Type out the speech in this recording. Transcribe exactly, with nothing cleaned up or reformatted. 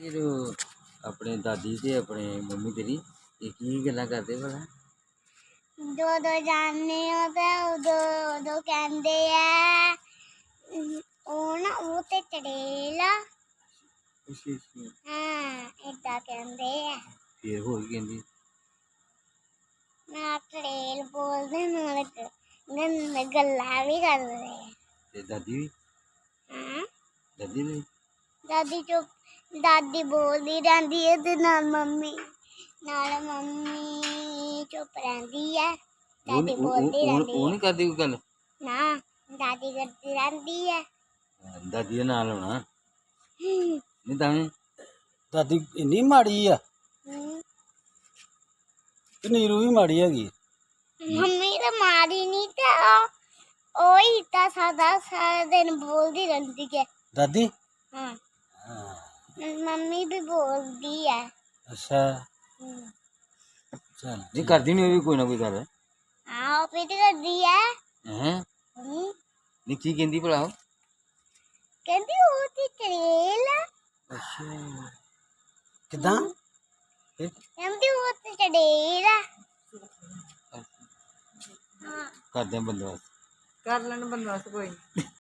फिर अपने दादी ते अपने मम्मी तेरी ये की गल्लां करदे भला जो दो जानने होता उदो उदो कहंदे आ ਉਹ ਨਾ ਉਹ ਤੇ ਚੜੇਲਾ ਅੱਛਾ ਅੱਛਾ ਹਾਂ ਏਦਾਂ ਕਹਿੰਦੇ ਆ ਫਿਰ ਹੋਰ ਕੀ ਕਹਿੰਦੀ ਨਾ ਚੜੇਲ ਬੋਲਦੇ ਨਾਲ ਗੰਨ ਗੱਲਾਂ ਵੀ ਕਰਦੇ ਆ ਤੇ ਦਾਦੀ ਵੀ ਹਾਂ ਦਾਦੀ ਵੀ ਦਾਦੀ ਚੁੱਪ ਦਾਦੀ ਬੋਲਦੀ ਰਹਿੰਦੀ ਹੈ ਤੇ ਨਾਲ ਮੰਮੀ ਨਾਲ ਮੰਮੀ ਚੁੱਪ ਰਹਿੰਦੀ ਹੈ ਦਾਦੀ ਬੋਲਦੀ ਰਹਿੰਦੀ ਉਹ ਨਹੀਂ ਕਰਦੀ ਕੋਈ ਗੱਲ ਨਾ ਦਾਦੀ ਕਰਦੀ ਰਹਿੰਦੀ ਹੈ ਦਾਦੀ ਦੇ ਨਾਲ ਹੋਣਾ ਨਹੀਂ ਤਾਂ ਦਾਦੀ ਇੰਨੀ ਮਾੜੀ ਆ ਤੇ ਨੀਰੂ ਵੀ ਮਾੜੀ ਹੈਗੀ ਮੰਮੀ ਤਾਂ ਮਾਰੀ ਨਹੀਂ ਤੇ ਉਹ ਹੀ ਤਾਂ ਸਾਦਾ ਸਾਰਾ ਦਿਨ ਬੋਲਦੀ ਰਹਿੰਦੀ ਹੈ ਦਾਦੀ ਹਾਂ ਮੰਮੀ ਵੀ ਬੋਲਦੀ ਹੈ ਅੱਛਾ ਚੱਲ ਨਹੀਂ ਕਰਦੀ ਨਹੀਂ ਉਹ ਵੀ ਕੋਈ ਨਾ ਕੋਈ ਗੱਲ ਹਾਂ ਉਹ ਵੀ ਤਾਂ ਕਰਦੀ ਹੈ ਹੈ ਨਹੀਂ ਕੀ ਕਹਿੰਦੀ ਭਲਾ ਉਹ ਕਹਿੰਦੀ ਉਹ ਤੇ ਚੜੇਲ ਅੱਛਾ ਕਿਦਾਂ ਕਹਿੰਦੀ ਉਹ ਤੇ ਚੜੇਲ ਹਾਂ ਕਰਦੇ ਆ ਬੰਦੋਬਸਤ ਕਰ ਲੈਣ ਬੰਦਾ ਕੋਈ